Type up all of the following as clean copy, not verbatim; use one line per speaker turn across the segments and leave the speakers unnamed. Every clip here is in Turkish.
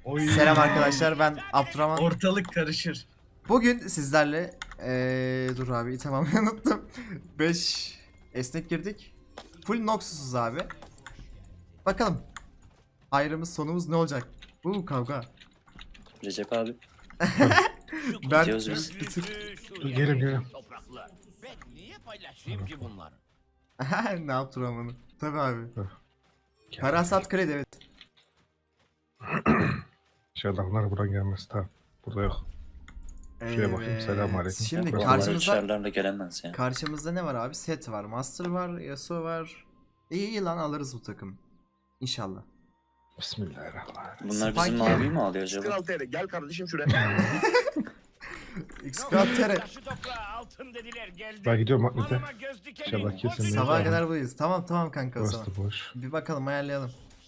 Oy.
Selam arkadaşlar, ben Abdurrahman.
Ortalık karışır.
Bugün sizlerle dur abi tamam unuttum. 5 esnek girdik. Full Noxus'uz abi. Bakalım. Ayrımız sonumuz ne olacak? Bu kavga.
Recep abi.
Ben
Gidiyoruz biz.
bir tık
Gelin.
Ben niye paylaşayım ki bunları?
ne Abdurrahman'ı? Tabii abi.
Gel.
Parasat kredi evet.
Şu adamlar buradan gelmez. Tamam. Burada yok. Şuraya bakayım, selamünaleyküm.
Şimdi
Burası
Oralar
karşımızda
uçarlarla gelemez yani.
karşımızda ne var abi? Set var, Master var, Yasuo var. İyi lan alırız bu takım. İnşallah.
Bismillahirrahmanirrahim.
Bunlar bizim
Spike-
mavi mi alıyor acaba?
Kral TR gel kardeşim şuraya.
X-Craft
Taşı toprağa altın dediler geldi.
Ben gidiyorum bak Mete.
Malama göz dikelim.
İnşallah kesin
Hop,
bir-
Sabaha kadar buradayız. Tamam kanka o zaman.
Burası da boş.
Bir bakalım ayarlayalım.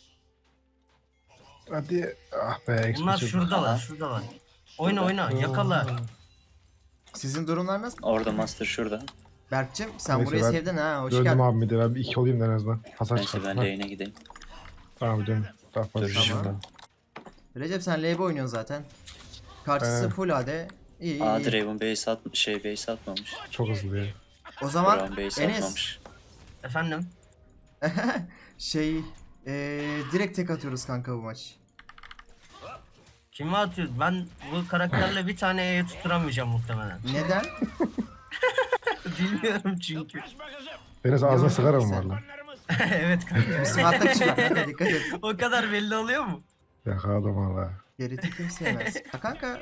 Hadi. Ah be.
Bunlar
X-Maç'ı-
şuradalar, şuradalar. Oyna, yakala.
Sizin durumlar nasıl?
Orada master şurada.
Berk'cim sen
Neyse,
burayı
ben
sevdin ha. Hoş
Döndüm
geldin.
abi bir de. Ben bir iki olayım da en azından. Hasar
Neyse ben
çıkartma.
lane'e gideyim.
Tamam bir dön. Daha fazla
Dur,
bir şey
tamam.
yok.
Recep sen LB oynuyorsun zaten. Karşısı full AD. İyi
Aa
iyi.
Draven base atmamış.
Çok hızlı ya.
O zaman
Brown base
Enes
atmamış.
Efendim?
şey direkt tek atıyoruz kanka bu maç.
Kime atıyor? Ben bu karakterle bir tane E'ye tutturamayacağım muhtemelen.
Neden?
Bilmiyorum çünkü.
Kaçma kızım.
Deniz ağzına
Yok,
sigara mı
sen-
var lan?
Onlarımız
Evet kanka.
Smart'ta kişi var kanka dikkat et.
O kadar belli oluyor mu?
Yakaladım valla.
Geriti kim sevmez. Ha kanka.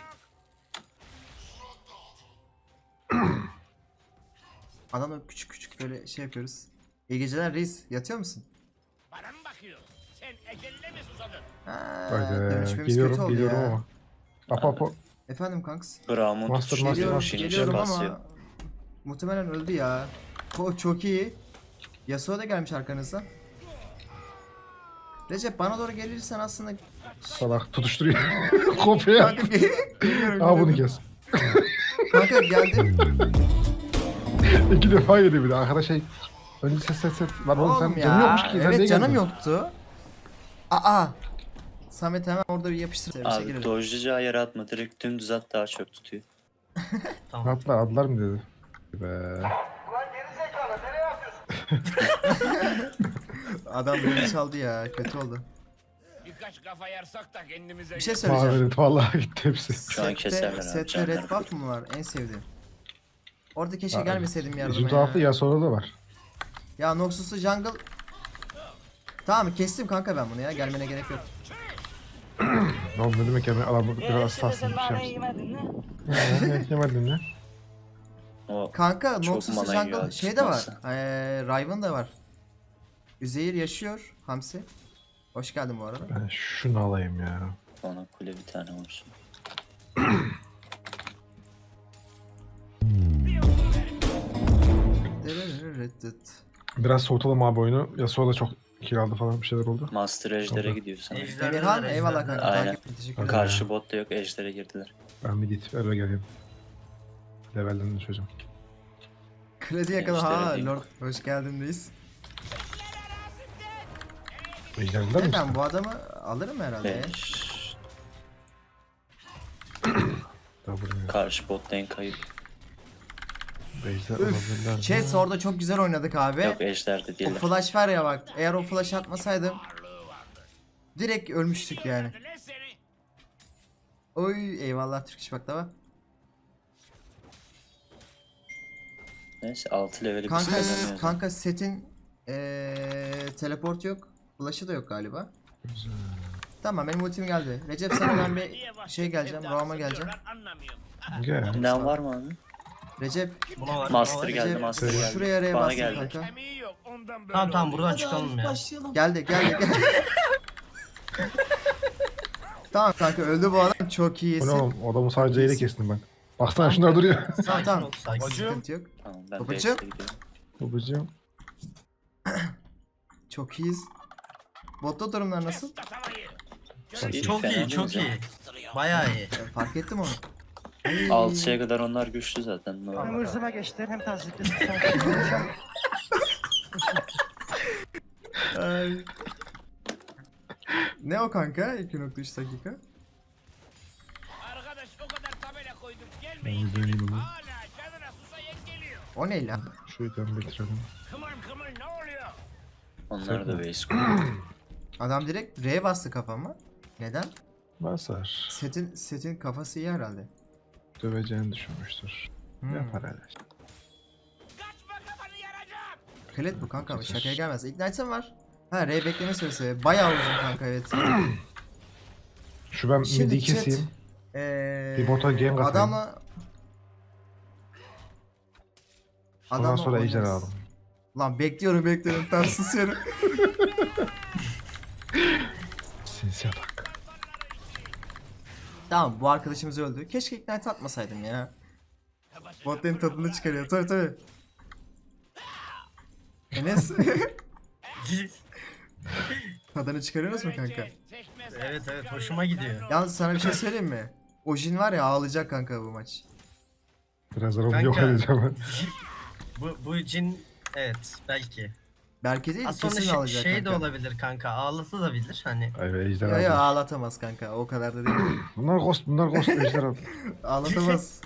Adamla küçük böyle şey yapıyoruz. İyi geceler reis. Yatıyor musun?
bana mı bakıyor? Sen eceline mi susadın?
Ha,
Haydi.
dönüşmemiz kötü oldu
Geliyorum
ya.
ama. Apo.
Efendim kanks.
Brown'un
Master,
tutuşunu
master,
Geliyorum,
master.
finish'e
geliyorum
basıyor.
ama muhtemelen öldü ya. O çok iyi. Yasuo da gelmiş arkanızda. Recep bana doğru gelirsen aslında
Salak tutuşturuyor. Kopya.
kanka geliyorum.
Al bunu
geliyorum.
kes.
Kanka geldim.
2 defa yedi bir de. Arkadaş şey. Önce ses. Lan oğlum sen
Oğlum
canın
ya.
yokmuş ki. Sen niye
Evet canım
geldin?
yoktu. Aa. Samet hemen orada bir yapıştır. Bir şey
Abi
girelim.
dojlayacağı yere atma. Direkt dümdüz at daha çok tutuyor.
Tamam.
Atlar mı dedi? Be.
Adam beni çaldı ya. Kötü oldu.
Birkaç kafa yarsak da kendimize
Bir şey söyleyeceğim.
Maverit vallahi gitti hepsi.
Şu an keserler abi,
Sette
canlar
red buff mı var? En sevdiğim. Orada keşke
Abi,
gelmeseydim yardıma
İşin tuhafı
ya.
ya sonra da var.
Ya Noxus'u jungle. Tamam kestim kanka ben bunu ya. Gelmene gerek yok.
Ne oldu ne demek yani adamı biraz aslansın bir şey yapsın. Yemedin ne?
O
Kanka
Çok
Noxus'u
mana yiyor
jungle
abi,
şey de var.
tutmazsa.
Riven da var. Üzeyir yaşıyor. Hamsi. Hoş geldin bu arada.
Ben şunu alayım ya.
ona kule bir tane olsun.
Reddet.
Biraz soğutalım abi oyunu. Yasuo da çok kill aldı falan bir şeyler oldu.
Master ejder'e
Tamam.
gidiyor sana.
Ejderhalar,
Emirhan eyvallah
ejderhalar.
kanka.
Aynen.
Takip teşekkür ederim.
Karşı botta yok ejder'e girdiler.
Ben bir git eve geleyim. Levelden düşeceğim.
Kredi yakala
Gençlere
ha
diyeyim.
Lord hoş geldin reis.
Ejderhalar
Ne
mısın?
ben bu adamı alırım herhalde ya.
5.
Daha buraya.
Karşı bot lane kayıp.
Ejder olabilirler.
Üf, Chess orada çok güzel oynadık abi.
Yok ejder'de
O
değiller.
flash var ya bak. Eğer o flash atmasaydım direkt ölmüştük yani.
Ne seni?
Oy eyvallah Türk İş Baklava.
Neyse 6 leveli biz
Kanka
kazanıyoruz.
kanka setin teleport yok. Flash'ı da yok galiba. Tamam benim ultim geldi. Recep sana ben bir
Niye bak-
şey geleceğim.
evde
Roam'a geleceğim.
asılıyorlar, anlamıyorum.
Gel.
İnan var mı abi?
Recep
Buna var.
Master
buna var.
geldi,
Recep
master geldi.
şuraya araya
Bana
bastın
geldi.
kanka.
Kemiği yok ondan böyle
Tamam
oluyor.
buradan çıkalım ya.
Geldi. Tamam kanka öldü bu adam çok
Bu ne
iyisin.
oğlum? Adamı sadece ile kestim ben. Baksana şunlar duruyor.
Tamam tamam.
Sakin ol, sakin.
Sıkıntı yok.
Tamam ben
Babacım.
base'e gidiyorum.
Babacığım.
Çok iyiyiz. Botta durumlar nasıl?
Tatamayı.
İyi,
Çok
fena
iyi, çok
değiliz
iyi. Bayağı iyi.
Fark ettim onu.
ya. 6'ya kadar onlar güçlü zaten.
Hem hırzıma geçti hem tazikli.
Ay. Ne o kanka? 2.3 dakika.
Arkadaş o kadar tabela koydum
Ben
gelmeyin.
bir döneyim onu.
Hala canına susayan geliyor.
O ne lan?
Şu item bitirelim.
Kımır kımır ne oluyor?
Onlar da base koyuyor.
Adam direkt R'ye bastı kafama. Neden?
Basar.
Setin kafası iyi herhalde.
Döveceğini düşünmüştür. Yapar hele.
Kaçma kafanı yaracağım.
Klet bu kanka, şakaya gelmez. Ignite'ım var. Ha, R bekleme süresi. Bayağı uzun kanka, evet.
Şu ben
Şimdi
midi
chat,
keseyim. Bir
Bir
bota gank atayım.
adamla...
Ondan sonra ejder
oynarız.
aldım.
Lan bekliyorum tam susuyorum.
Sinsiye bak.
Tamam, bu arkadaşımız öldü. Keşke Ignite atmasaydım ya. Botların tadını çıkarıyor, tabii. Enes, tadını çıkarıyorsunuz mu kanka?
Evet hoşuma gidiyor.
Yalnız sana bir şey söyleyeyim mi? O Jin var ya, ağlayacak kanka bu maç.
Birazdan onu
Kanka.
yok edeceğim ben.
Bu cin evet belki.
Belki değil,
Az sonra
kesin ağlayacak
şey de
kanka.
olabilir kanka. Ağlatabilir hani.
Ay ejder
Ya
aldım.
ağlatamaz kanka, o kadar da değil.
Bunlar ghost ejder aldım.
Ağlatamaz.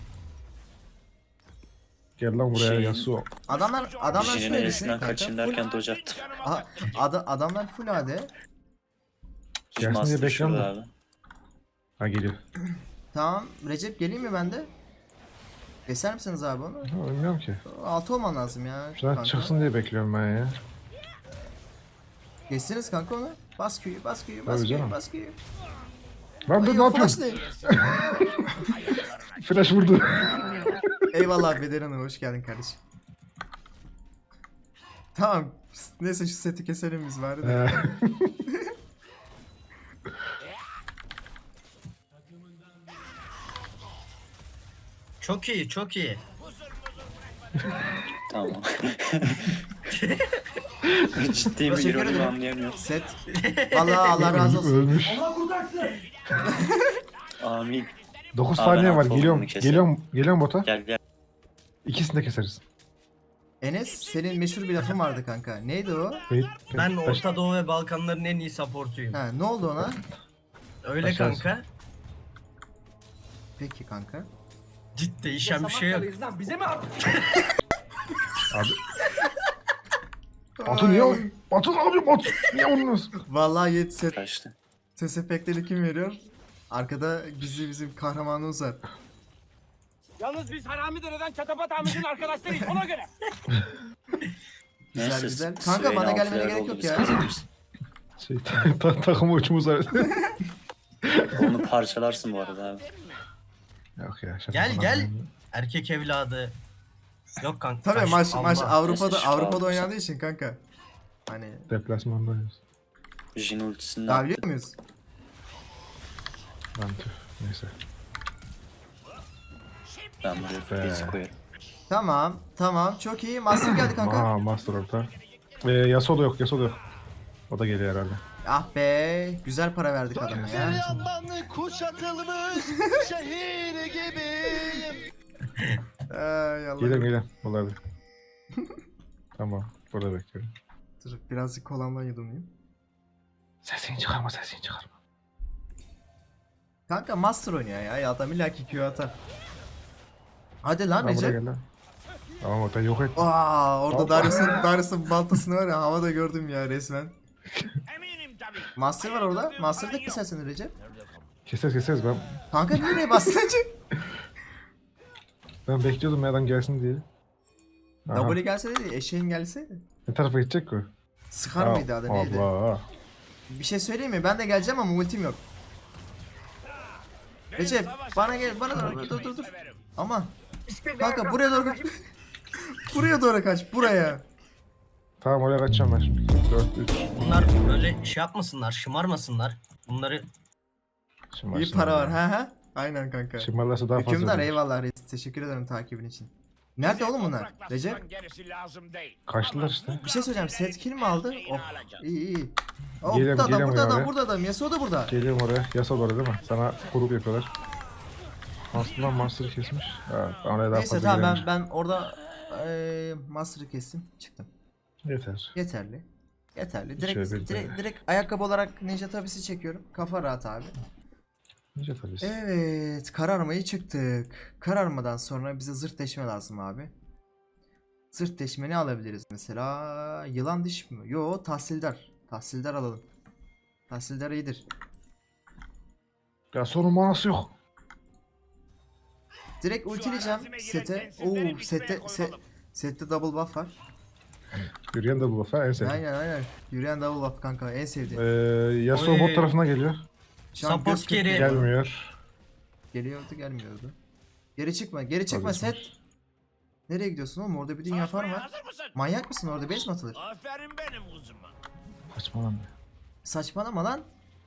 Gel lan buraya
Şey-
Yasuo.
Adamlar
Jin'in
şöyle düşünün
elisinden
kanka.
kaçayım derken dodge attım.
Aha, adamlar full AD.
Gelsin diye
Master
bekliyorum
şurada
da.
abi.
Ha geliyor.
Tamam, Recep geleyim mi ben de? Keser misiniz abi onu?
Ha, bilmiyorum ki.
6 olman lazım ya.
Şuradan
kanka.
çıksın diye bekliyorum ben ya.
Geçsiniz kanka onu. Bas Q'yu.
Tabii canım.
Bas Q'yu.
Lan dur
Ay,
ne
o flash
yapıyorsun?
ne?
Flash vurdu.
Eyvallah Beder Hanım, hoş geldin kardeşim. Tamam. Neyse şu seti keselim biz bari de.
Çok iyi çok iyi.
Tamam. Ciddi mi
Teşekkür
ironi mi
ederim.
anlayamıyorum.
Set. Vallahi Allah razı olsun.
Ölmüş.
Amin.
9
Aa,
saniye
ben
var.
alt
Geliyorum.
olduğunu keserim.
Geliyorum bota.
Gel.
İkisini de keseriz.
Enes, senin meşhur bir lafın vardı kanka. Neydi o?
Wait.
Ben Orta Doğu ve Balkanların en iyi supportuyum.
Ha, ne oldu ona?
Öyle
Başlarsın.
kanka.
Peki kanka.
Ciddi değişen bir şey yok.
Abi. Batu niye o? Batu ne yapıyor Batu? Niye vuruyorsun?
Vallahi yet set.
Kaçtı.
Ses efektleri kim veriyor? Arkada gizli bizim kahramanımız var.
Yalnız biz Haramidere'den Çatapat Ahmet'in arkadaşlarıyız ona göre.
Güzel,
Neyse,
güzel.
Swain
Kanka, bana
altı
gelmene
yer
gerek
oldu,
yok
biz
ya.
kazanırız.
Şey, takım uçumuz var.
Onu parçalarsın bu arada abi.
Yok ya. şaka
Gel,
falan
gel.
yapıyorum.
Erkek evladı. Yok kanka.
Tabii
kaç-
maç
Allah.
Avrupa'da
Neyse, şu
Avrupa'da
aldım
oynandığı için kanka. Hani
Deplasmandayız.
Jin ultisini
daha
attı.
biliyor muyuz?
Lan tüh. Neyse.
Ben buraya base koyarım.
Tamam çok iyi. Master geldi kanka.
Aa Master orta. Yasuo da yok. O da geliyor herhalde.
Ah be, güzel para verdik adama ya.
Yandan kuşatılmış şehir gibiyim.
Ay Allah.
Geliyorum. Olabilir. Tamam. Burada bekliyorum.
Dur birazcık kolamdan yudumlayayım.
Sesini çıkarma.
Kanka Master oynuyor ya. Adam illa ki Q atar. Hadi lan
Ha, buraya
Recep.
gel lan. Tamam orta yok et.
Aa, orada
Hoppa.
Darius'un baltasını var ya, havada gördüm ya resmen.
Eminim tabii.
Master var orada. Master'da kesersin Recep.
Keseriz ben.
Kanka niye oraya bastın acı?
Ben bekliyordum ya adam gelsin diye. Aha.
W gelseydi, eşeğin gelseydi.
Ne tarafa gidecek ki o?
Sıkar mıydı adı neydi?
Allah.
Bir şey söyleyeyim mi? Ben de geleceğim ama ultim yok. Recep bana gel, bana dur. Ama kanka buraya doğru kaç. Buraya doğru kaç, buraya.
Tamam oraya kaçacağım ben şimdi. 4-3.
Bunlar böyle şey yapmasınlar, şımarmasınlar. Bunları
İyi para var ha. Aynen kanka.
Şımarlarsa daha fazla.
Hükümdar
verir.
eyvallah reis. Teşekkür ederim takibin için. Nerede oğlum bunlar? Recep?
Gerisi lazım değil.
Kaçtılar işte.
Bir şey söyleyeceğim. Set kill mi aldı? Oh. İyi. Oh,
Geliyorum,
burada
geliyorum
adam,
ya.
burada adam. Yasuo da burada.
Geliyorum oraya. Yasa doğru değil mi? Sana grup yapıyorlar. Aslında Master'ı kesmiş. Evet, oraya daha
Neyse
fazla
tamam
girememiş.
ben orada Master'ı kestim. Çıktım.
Yeter.
Yeterli. Yeterli.
Şöyle bir
Direkt ayakkabı olarak ninja tabisi çekiyorum. Kafa rahat abi.
Nice tabii.
Evet, kararmayı çıktık. Kararmadan sonra bize zırt deşme lazım abi. Zırt deşme ne alabiliriz mesela? Yılan diş mi? Yo, tahsildar. Tahsildar alalım. Tahsildar iyidir.
Ya sorun manası yok.
Direkt ultileyeceğim sete. Oo, sette double buff var.
Yürüyen de bu lafa en sevdiğim.
Aynen. Yürüyen double buff kanka, en sevdiğim.
Yasuo
Oy.
bot tarafına geliyor.
Şu an
Support
göz
carry.
kırpıyor.
Gelmiyor.
Gelmiyordu. Geri çıkma
Tabii,
set. Nereye gidiyorsun oğlum? Orada bir dünya farm var.
Hazır mısın?
Manyak mısın, orada base mi atılır?
Aferin benim kuzuma.
Saçmalama.
Saçmalama lan.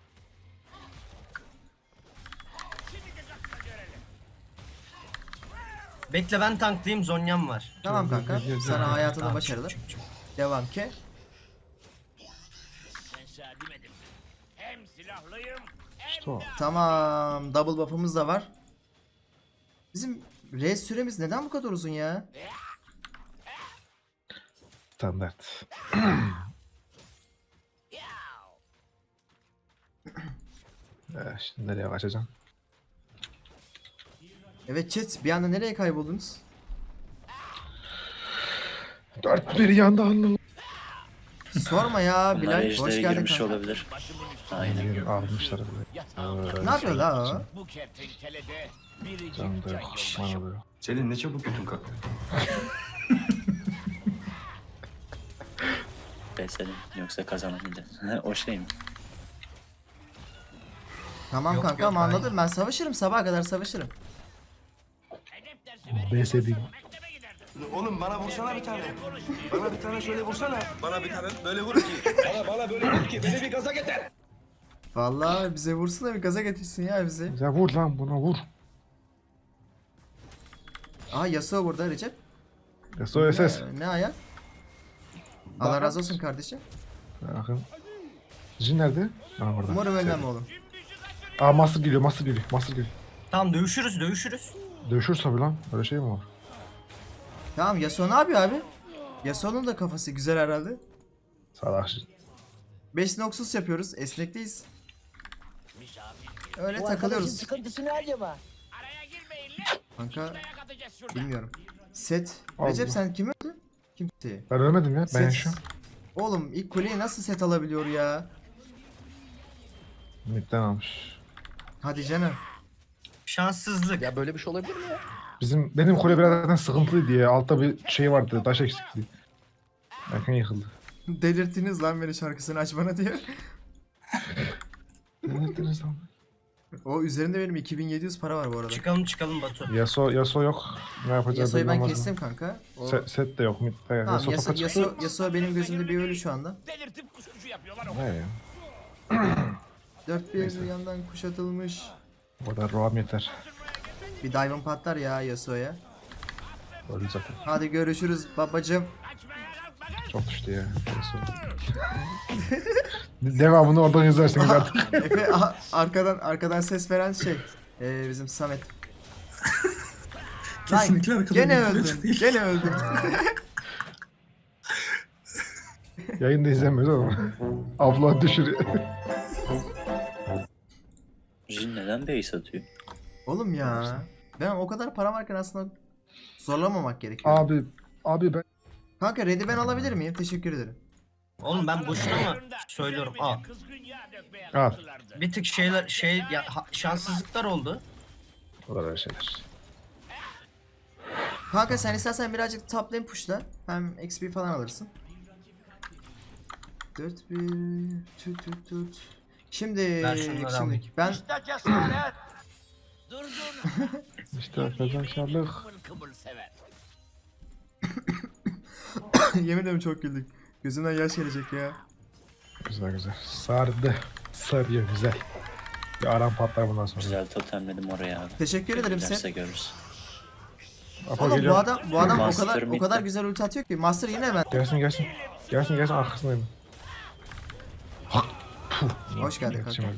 Bekle ben tanklayayım, Zonya'm var.
Tamam kanka. Sana hayatında
Tamam,
başarılı.
çık.
Devam ki.
Ben sana demedim. Hem silahlıyım hem
İşte o.
Tamam. Double buff'ımız da var. Bizim res süremiz neden bu kadar uzun ya?
Standart. Şimdi nereye kaçacağım?
Evet chat, bir anda nereye kayboldunuz?
4-1 yanda anladım.
Sorma ya
Bunlar
Bilal. Hoş
ejderi
geldin
girmiş
kanka.
olabilir. Aynen.
Almışlar bile.
Ne yapıyor la o?
bu kertenkelede biricik
Can da
can
yok.
yoldaşı.
Bana da yok.
Selin ne çabuk götün kalktı.
Beselim yoksa kazanamayacağız. O şey mi?
Tamam
Yok,
kanka,
yok,
ama
hayır.
anladım, ben savaşırım, sabaha kadar savaşırım.
Edep dersi
BS'deyim.
mektebe giderdim.
Oğlum bana vursana bir tane. Bana bir tane şöyle vursana. Bana bir tane böyle vur ki. Bana böyle vur ki beni bir gaza getir.
Vallahi bize vursun da bir gaza getirsin ya bizi.
Ya vur lan buna vur.
Aha Yasuo burada Recep.
Yasuo SS.
Ne ayak? Allah razı olsun kardeşim.
Bakın. Jin nerede? Aa orada.
Umarım ölmem oğlum.
Aa Master geliyor. Master geliyor.
Tamam, dövüşürüz.
Dövüşür tabi lan. Öyle şey mi var?
Tamam, Yasuo ne yapıyor abi? Yasuo'nun da kafası güzel herhalde.
Salak Jin.
5 noksuz yapıyoruz. Esnekteyiz. Öyle takılıyoruz.
sıkıntısı ne acaba?
Araya girmeyin lan.
Kanka
Ayak atacağız şurada.
bilmiyorum. Set.
Allah.
Recep sen kimi öldün? Kimseyi.
Ben ölmedim ya. Ben
Set.
yaşıyorum.
Oğlum ilk kuleyi nasıl set alabiliyor ya?
Midden almış.
Hadi canım.
Şanssızlık.
Ya böyle bir şey olabilir mi ya?
Benim kule biraz zaten sıkıntılıydı ya. Altta bir şey vardı. Taş eksikliği. Erken yıkıldı.
Delirttiniz lan beni, şarkısını aç bana diyor.
Ne ettiniz lan?
O üzerinde benim 2700 para var bu arada.
Çıkalım Batu.
Yasuo yok. Ne yapacağız?
Yasuo'yu ben
bilmem
kestim kanka. O...
Set de yok. Midde.
Tamam,
Yasuo topa çıktı.
Yasuo benim gözümde bir ölü şu anda.
Delirtip kuskucu yapıyorlar o.
Ne ya?
4-1 yandan kuşatılmış.
O kadar roam yeter.
Bir dive'ın patlar ya Yasuo'ya.
Öldü zaten.
Hadi görüşürüz babacım.
Çok düştü ya. Yasuo. Devamını oradan izlersiniz artık.
Efe arkadan ses veren şey. Bizim Samet.
Kesinlikle
Lan,
arkadan
gene
bir
öldün. Gene öldün.
Yayında izlemiyoruz ama. Abla düşürüyor.
Jin neden base atıyor?
Oğlum ya. Ben o kadar param varken aslında zorlamamak gerekiyor.
Abi ben...
Kanka red'i ben alabilir miyim? Teşekkür ederim.
Oğlum ben boşuna mı söylüyorum? Aa.
Kızgın yağ dökmeye
Al.
kalktılardı.
Bir tık şanssızlıklar oldu.
O kadar şeyler.
Kanka sen istersen birazcık top lane pushla. Hem XP falan alırsın. 4-1 tut. Şimdi
Ben şunları alayım.
ben
İşte cesaret. Durgun.
İşte fedakarlık.
Kımıl kımıl sever.
yemin ederim çok güldük. Gözümden yaş gelecek ya.
Güzel. Sardı. Sarıyor güzel. Bir aram patlar bundan sonra.
Güzel totemledim oraya abi.
Teşekkür ederim
Giderse
Seth.
görürüz.
Apo
Oğlum
geliyor.
bu adam
Master
o kadar
midde.
güzel ulti atıyor ki. Master yine hemen.
Gelsin arkasındayım.
Hoş geldin kanka.
Yetişemedim.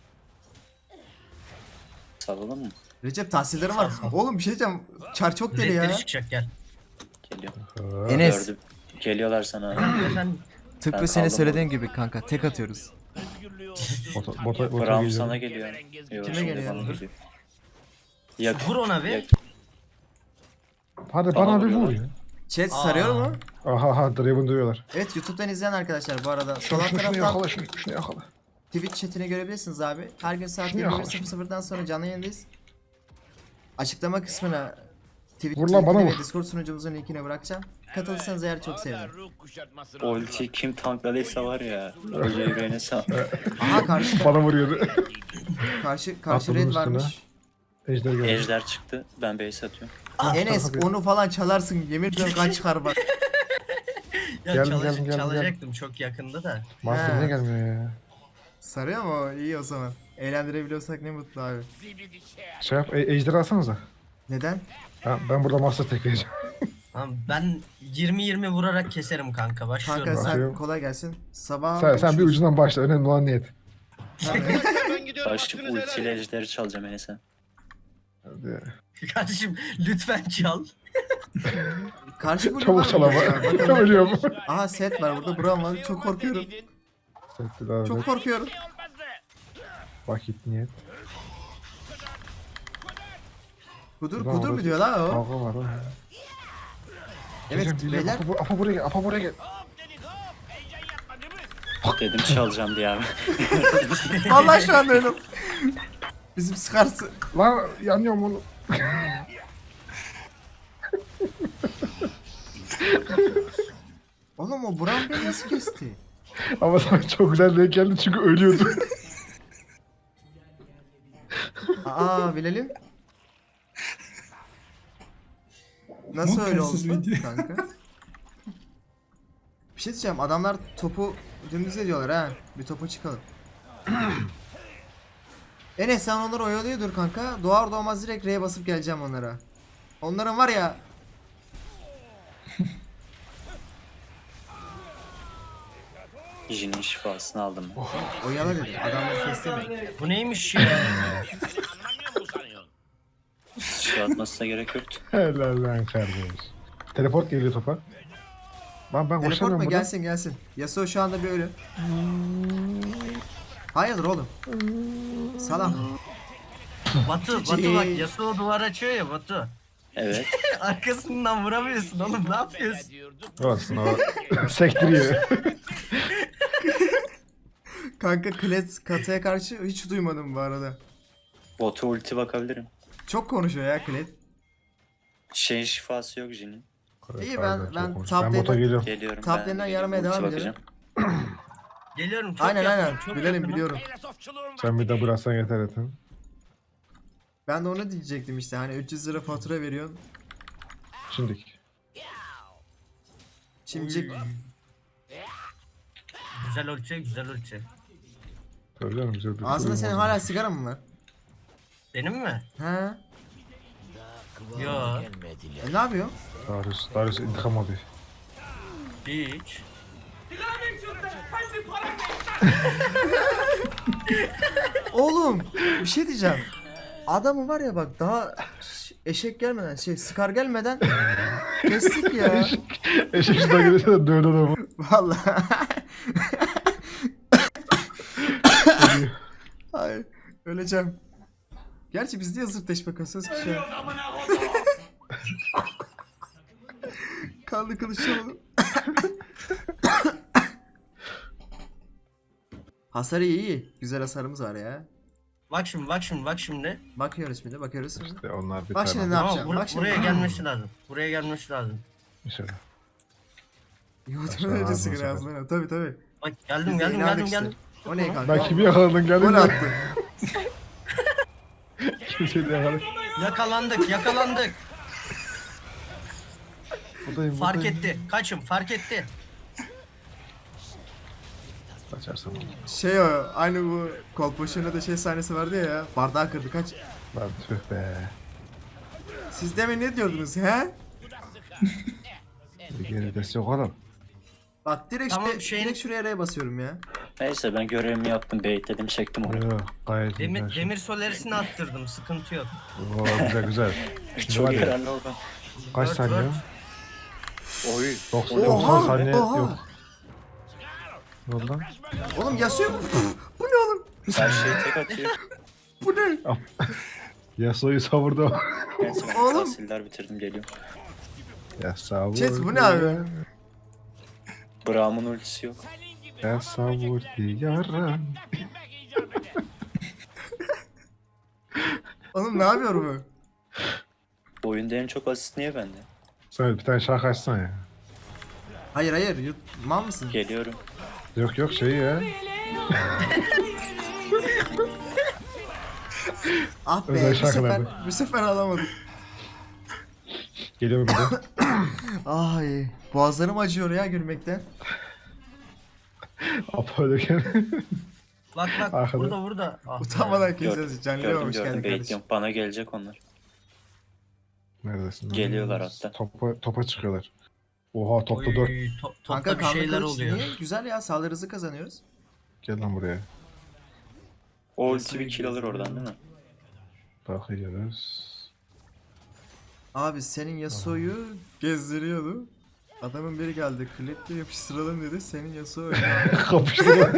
Salalım mı?
Recep tahsillerim var. Oğlum bir şey diyeceğim. Çar çok deli ya.
Redleri çıkacak, gel.
Geliyor.
Enes.
Gördüm. Geliyorlar sana abi.
Efendim.
Tıpkı
Ben
senin
kaldım
söylediğin gibi kanka tek atıyoruz.
Bota
Braum
geliyor.
sana geliyor. Yok,
Kime
şimdi
geliyor?
bana geliyor. Yak.
Vur ona bir.
yak.
Hadi
Bana
bana bir vur
vuruyorlar.
ya.
Chat
Aa.
sarıyor mu?
Aha Draven duyuyorlar.
Evet YouTube'dan izleyen arkadaşlar bu arada. Sol alt
Şunu
taraftan
yakala şunu yakala.
Twitch chatini görebilirsiniz abi. Her gün saat
Şunu yakala,
21.00'dan sonra canlı yayındayız. Açıklama kısmına Twitch
Vur lan, bana
linkini ve
vur.
Discord sunucumuzun linkini bırakacağım. Katılırsanız eğer çok sevinirim.
Ulti kim tankladıysa var ya. Hoca yüreğine sağ.
Aha karşı
Bana vuruyordu.
karşı
Atladım
red
üstüne.
varmış.
Ejder geldi.
Ejder çıktı. Ben base atıyorum.
Enes
tabii.
onu falan çalarsın. Yemin ediyorum kan çıkar bak.
Ya
Geldim.
çalacaktım çok yakında da.
Master
Ha.
niye gelmiyor ya?
Sarıyor mu o? İyi o zaman. Eğlendirebiliyorsak ne mutlu abi.
Şey yap, Ejder'i alsanıza.
Neden?
Ben burada Master tekleyeceğim.
Tamam ben 20-20 vurarak keserim kanka. Başlıyorum.
Kanka sen
Bakıyorum.
kolay gelsin. Sabah
Sen bir ucundan başla. Önemli olan niyet.
Ben gidiyorum.
Başlık
hakkınızı helal
ultiyle
edin.
ejderi çalacağım Enes'e.
Hadi.
Kardeşim lütfen çal.
Karşı blue
Çabuk
var
çal
mı?
ama.
Ya, bakalım.
Ölüyorum.
Aha set var burada. Braum var. Çok korkuyorum. Çok korkuyorum.
Vakit niyet.
Kudur
Bravo.
kudur mu diyor la o?
Kavga var ha.
Evet beyler.
Apo buraya gel. Apo buraya gel.
Dedim çalacağım diye abi.
Allah şu an öyle. Bizim sıkarsı.
Lan yanıyorum onu.
Oğlum o Braum beni nasıl kesti?
Ama sana çok güzel denk geldi çünkü ölüyordu.
Aa bilelim. Nasıl öyle oldu kanka? Bir şey diyeceğim adamlar topu dümdüz ediyorlar ha. Bir topa çıkalım. Enes sen onları oyalıyordur kanka. Doğar doğmaz direkt R'ye basıp geleceğim onlara. Onların var ya.
Jin'in şifasını aldım ben.
Oyala dedi. Adamları kestirmeyin.
Bu neymiş ya?
Şey atmasına gerek yoktu.
Helal lan kardeş. Teleport geliyor topa. Ben
Teleport
koşamıyorum
mu?
buradan.
Gelsin. Yasuo şu anda bir ölü. Hayırdır oğlum? Salak.
Batu bak Yasuo duvar açıyor ya Batu.
Evet.
Arkasından vuramıyorsun oğlum ne yapıyorsun?
Olsun o. Sektiriyor.
Kanka Kled kataya karşı hiç duymadım bu arada.
Bota ulti bakabilirim.
Çok konuşuyor ya Kled.
Şeyin şifası yok Jin'in.
İyi,
Pardon,
ben
çok konuştum.
top
Ben bota
lane'e-
geliyorum.
Geliyorum
Top
ben.
lane'den yaramaya
Ulti
devam
bakacağım.
Geliyorum çok
Aynen
yakınım, çok
Bilelim
yakınım.
biliyorum.
Sen bir de bıraksan yeter etin.
Ben de onu diyecektim işte hani 300 lira fatura veriyorsun.
Şimdik.
Şimdi
Güzel ölçü güzel ölçü.
Tabii canım güzel bir
ağzında senin
oyun
hala
var.
sigara mı var?
Benim mi?
He?
Yo
Ne yapıyor?
Darius intikam alıyor.
hiç.
Oğlum bir şey diyeceğim. Adamı var ya bak daha eşek gelmeden Scar gelmeden kestik ya.
Eşek sudan gelirse de dövdü adamı.
Vallahi. Ay öleceğim. Gerçi biz niye zırtleşme kasıyoruz ki şu an? Kanlı kılıçlamadım. Hasarı iyi. Güzel hasarımız var ya.
Bak şimdi.
Bakıyoruz bakıyoruz.
İşte onlar bir
Bak şimdi
tane.
ne
Tamam
yapacağım? Bak şimdi.
buraya gelmesi lazım. Buraya gelmesi lazım.
İnşallah.
Yoğurtun önce
ağzına
sigara
sakın.
ağzına. Tabii.
Bak
Biz
geldim
de
geldim
inandık
geldim
işte.
geldim.
O ne kanka?
Ben kimi yakaladın geldin
Gol
mi?
attı.
Kimseyi de yakaladım.
Yakalandık.
Buradayım.
Fark etti. Kaçım fark etti.
Kaçarsam olur.
Şey o aynı bu Kolpaşı'nda da şey sahnesi vardı ya. Bardağı kırdı kaç.
Lan tüh be.
Siz demin ne diyordunuz he?
Geridesi yok oğlum.
Bak direkt,
Tamam,
direkt şuraya R'ye basıyorum ya.
Neyse ben görevimi yaptım. Baitledim çektim onu.
Yok gayet iyi.
Demir solarisini attırdım sıkıntı yok.
Oo, güzel.
Çok
hadi.
yararlı oldu.
Kaç
Dört,
saniye?
dört.
Oy.
90
Oha,
saniye
oha.
yok. Ne oldu lan?
Oğlum Yasuo mu? Bu ne oğlum?
Her şeyi tek atıyor.
Bu ne?
Yasuo'yu savurdu.
Neyse ben
Oğlum.
tahsiller bitirdim geliyorum.
Ya savurdu.
Chat, bu ne abi?
Braum'un ultisi yok.
Ya savurdu yaram.
Oğlum ne yapıyor bu?
Oyunda en çok asist niye bende?
Sen bir tane şarkı açsana ya.
Hayır hayır, mal mısın?
Geliyorum.
Yok yok şey ya.
Ah be,
Özel
bu sefer,
şarkılardı.
bu sefer alamadım.
Geliyor bir de.
Ay, boğazlarım acıyor ya gülmekten.
Apollo'ken.
Bak bak
Arkada.
burada. Ah be.
Utanmadan
Gördüm,
kesiyoruz. Canlıya
gördüm,
hoş geldin
gördüm.
kardeşim.
Bekliyorum. Bana gelecek onlar.
Neredesin? lan?
Geliyorlar hatta.
Topa çıkıyorlar. Oha topta 4.
Oy, topta
Kanka
bir şeyler
kanka
oluyor.
niye? Güzel ya, saldırı hızı kazanıyoruz.
Gel lan buraya.
O ulti bir kill alır oradan değil mi?
Bakıyoruz.
Abi senin Yasuo'yu gezdiriyordu. Adamın biri geldi, kliple yapıştıralım dedi. Senin Yasuo
Kapıştılar.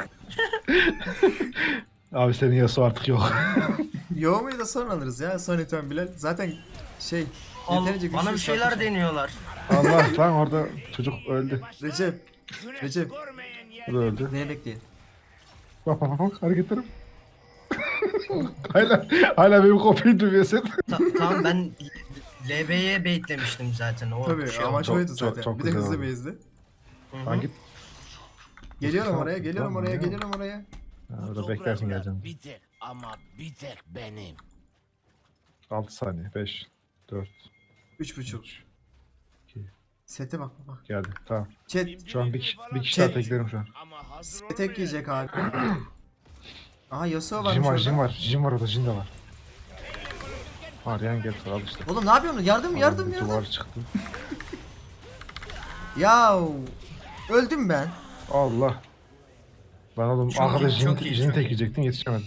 Abi senin Yasuo artık yok.
Yoğumayı da sonra alırız ya. Son item Bilal. Zaten şey,
Al,
yeterince
bana bir
güçlü
şeyler
satmış.
deniyorlar.
Allah lan orada çocuk öldü.
Recep.
O da öldü.
Neye bekleyin?
Bak bak bak hareketlerim. hala benim kopyayı duyuyorsun.
Tamam ben LB'ye baitlemiştim zaten. O
Tabii
şey
amaç
çok-
oydu
çok-
zaten.
çok
Bir de
güzel
hızlı
oldu.
bezdi.
Hı hı.
Lan git.
Geliyorum
Tamam,
oraya, geliyorum
tamam
oraya,
ya.
geliyorum oraya.
Ha, orada beklersin geleceğim.
Bir tek ama bir tek benim.
6 saniye. 5, 4,
3.5.
2,
Sete bak bak.
geldi. Tamam.
Chat.
Şu an bir kişi daha
Chat.
teklerim şu an.
Ama hazır
Tek yiyecek abi. Aha Yasuo varmış
Jin var,
orada.
Jin var. Jin var orada, Jin de var. Arayan geldi, al işte.
Oğlum ne yapıyorsun? Yardım yardım
Bir
yardım.
duvar çıktı.
Yav. Öldüm ben.
Allah. Ben oğlum
Çok
arkada
iyi, çok iyi,
Jin
çok
tek
iyi.
yiyecektin, yetişemedim.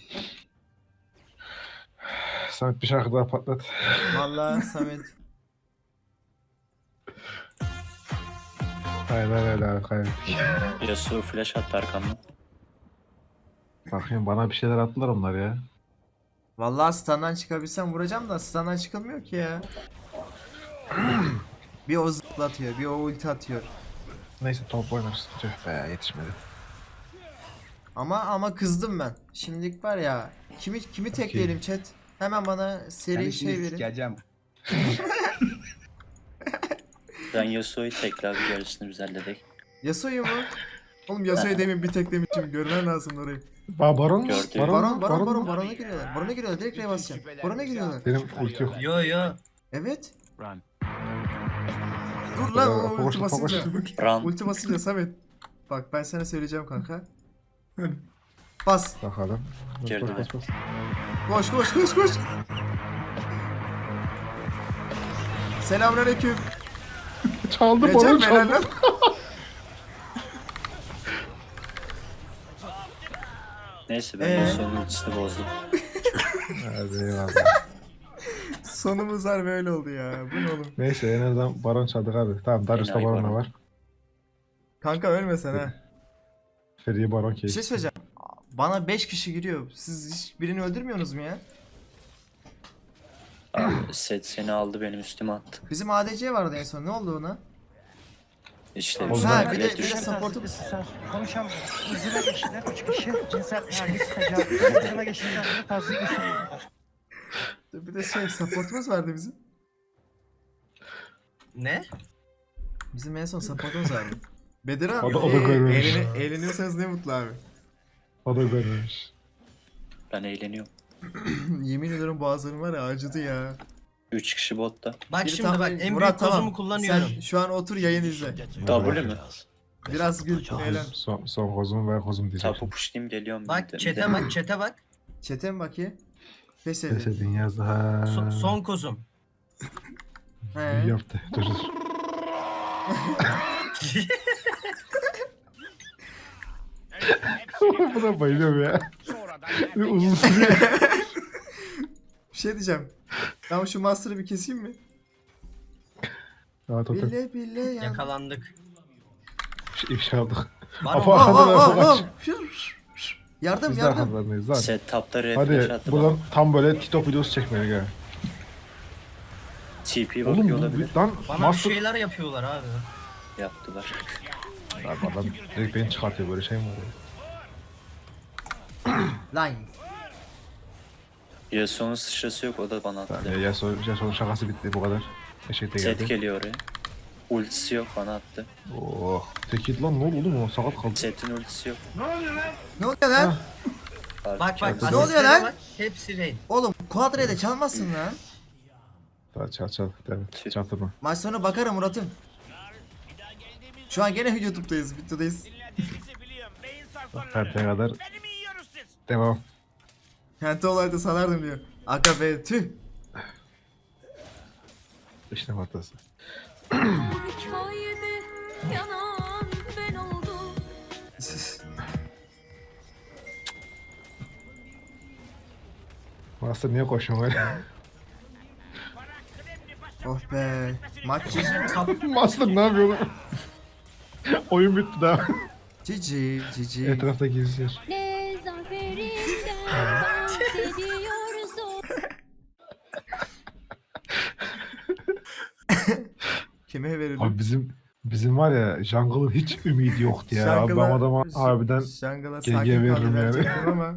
Samet bir şarkı daha patlat.
Vallahi Samet.
Aynen öyle abi, kaybettik.
Yasuo flash attı arkamdan.
Bakayım bana bir şeyler attılar onlar ya.
Vallahi standdan çıkabilsem vuracağım da standdan çıkılmıyor ki ya. Bir o zıplatıyor, bir o ulti atıyor.
Neyse top oynarız. Tüh be, yetişmedi.
Ama kızdım ben. Şimdilik var ya. Kimi tekleyelim chat? Hemen bana seri şey verin.
Ben Yasuo'yu tekle abi gerisini biz halledik.
Yasuo'yu mu? Oğlum Yasuo'yu demin bir teklemişim. Görmen lazım orayı.
Baron mu?
Gördüm.
Baron,
mu?
Baron'a giriyorlar. Baron'a giriyorlar. Direkt R'ye basacağım. Baron'a giriyorlar.
Benim ulti yok.
Yo.
Evet.
Run.
Dur lan o ulti
Fokuş,
basınca.
fokuş.
Run.
Ulti basınca Samet. Bak ben sana söyleyeceğim kanka. Bas.
Bakalım.
Girdi
Bas, bas,
Koş koş koş koş. Selamünaleyküm.
bas. Çaldı
Recep
Baron
helal
çaldı.
lan.
Neyse ben Yasuo'nun ultisini bozdum.
Hadi eyvallah.
Sonumuz var böyle oldu ya. Bu ne oğlum?
Neyse en azından Baron çaldık abi. Tamam Darius'ta
Enayi
Baron da
Baron.
var.
Kanka ölmesen ha.
Feriye Baron
Bir şey
keyif.
söyleyeceğim. Bana 5 kişi giriyor. Siz hiç birini öldürmüyorsunuz mu ya?
Abi set seni aldı benim üstüme attı.
Bizim ADC vardı en son. Ne oldu ona?
İşte
O
üstüme
zaman-
bir de-
bilet
bir de
düştü.
support'u-
Konuşamıyorum. Hızına geçtiler 3 kişi. Cinsel taciz, tecavüz. Hızına geçtiler. Taciz gösteriyorlar.
Bir de şey supportumuz vardı bizim.
Ne?
Bizim en son supportumuz vardı. Bedir abi.
O da görmemiş.
Eğleniyorsanız ne mutlu abi.
O da görmemiş.
Ben eğleniyorum.
Yemin ediyorum boğazlarım var ya acıdı ya.
3 kişi botta.
Bak
Biri
şimdi
tam-
bak en
Murat,
büyük
tamam.
kozumu kullanıyorum.
Sen şu an otur yayın izle.
W mü?
Biraz gül, eğlen.
Son kozum ve kozum diyeceğim.
Tapu pushlayayım geliyorum.
Bak
bir de.
chat'e bak.
Çete mi bakayım? Pes
Pes
edin.
edin yazdı ha.
Son kozum.
He.
İyi yaptı. Dur dur. Buna bayılıyorum ya. Bir uzun sürüyor.
Bir şey diyeceğim. Ben şu master'ı bir keseyim mi?
Rahat otur.
Bile bile ya.
Yakalandık.
İfşa olduk.
Bana
Apo
bak.
arkada da Apo kaç.
Yardım
Biz de
yardım.
arkalarındayız lan.
Setup'ta refresh
Hadi
attı
buradan
bana.
tam böyle TikTok videosu çekmedik ha.
TP
Oğlum
bakıyor
bu
olabilir.
lan
Bana bir
master...
şeyler yapıyorlar abi.
Yaptılar.
Lan adam direkt beni çıkartıyor, böyle şey mi var ya?
Line.
Yasuo'nun sıçrası yok, o da bana attı.
Yani Yasuo'nun şakası bitti, bu kadar. Eşekte
Set
geldi.
geliyor oraya. Ultisi yok, bana attı.
Oh. Tekit lan, ne oldu oğlum, o sakat kaldı.
Set'in ultisi yok.
Ne oluyor lan?
Artık
Bak bak.
Ne oluyor lan?
Bak, hepsi raid.
Oğlum Quadra'ya da çalmazsın lan.
Daha çal. Evet, çarptırma.
Maç sonu bakarım Murat'ım. Şu an gene YouTube'dayız, videodayız.
Perteye kadar devam.
Kente olayda salardım diyor. Aga be tüh.
İşte hatası.
Hikayede yanan ben oldum.
Master niye koşuyorsun öyle?
Oh be. Maç
Master ne yapıyor oğlum? Oyun bitti daha.
cici cici.
Etrafta geziyor.
Ne zaferinden bahsediyorsun.
Kime verelim?
Abi bizim var ya, Jungle'ın hiç ümidi yoktu ya. Abi ben adama harbiden
Jungle'a
GG
sakin
veririm
kaldı
yani.
verecektim ama.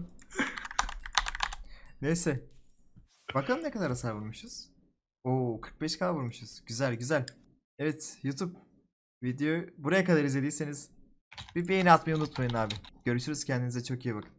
Neyse. Bakalım ne kadar hasar vurmuşuz. Oo 45k vurmuşuz. Güzel güzel. Evet YouTube videoyu buraya kadar izlediyseniz bir beğeni atmayı unutmayın abi. Görüşürüz, kendinize çok iyi bakın.